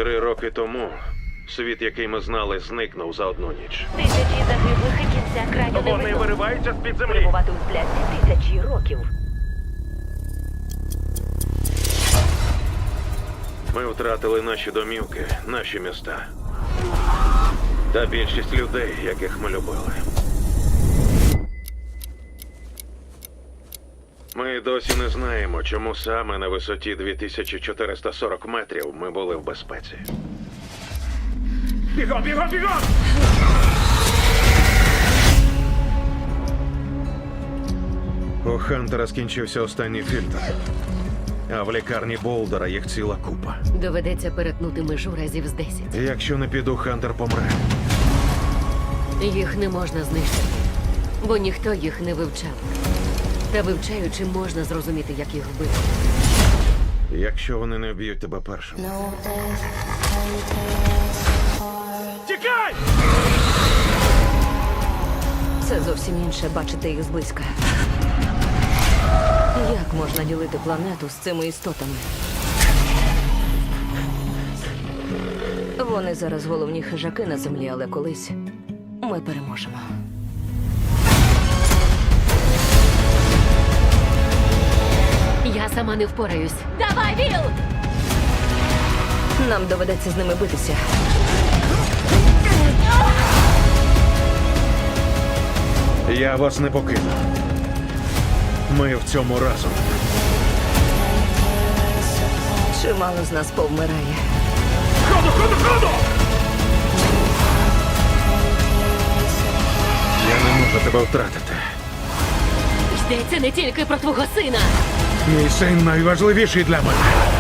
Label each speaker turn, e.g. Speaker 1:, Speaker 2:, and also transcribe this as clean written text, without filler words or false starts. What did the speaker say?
Speaker 1: 3 роки тому світ, який ми знали, зникнув за одну ніч.
Speaker 2: Тисячі загиблих і кінця краю не
Speaker 3: Вони
Speaker 2: видно.
Speaker 3: вириваються з-під землі.
Speaker 2: Перебувати у сплясті тисячі років.
Speaker 1: Ми втратили наші домівки, наші міста. Та більшість людей, яких ми любили. Ми досі не знаємо, чому саме на висоті 2440 метрів ми були в безпеці.
Speaker 3: Бігом, бігом, бігом!
Speaker 1: У Хантера скінчився останній фільтр. А в лікарні Болдера їх ціла купа.
Speaker 4: Доведеться перетнути межу разів з 10.
Speaker 1: Якщо не піду, Хантер помре.
Speaker 4: Їх не можна знищити, бо ніхто їх не вивчав. Та вивчаючи, можна зрозуміти, як їх вбити.
Speaker 1: Якщо вони не вб'ють тебе першим.
Speaker 3: Тікай!
Speaker 2: Це зовсім інше бачити їх зблизька. Як можна ділити планету з цими істотами? Вони зараз головні хижаки на землі, але колись ми переможемо.
Speaker 4: Я сама не впораюсь. Давай, Віл!
Speaker 2: Нам доведеться з ними битися.
Speaker 1: Я вас не покину. Ми в цьому разом.
Speaker 2: Чимало з нас повмирає.
Speaker 3: Ходу, ходу, ходу!
Speaker 1: Я не можу тебе втратити.
Speaker 4: Йдеться не тільки про твого сина.
Speaker 1: Мій син найважливіший для мене.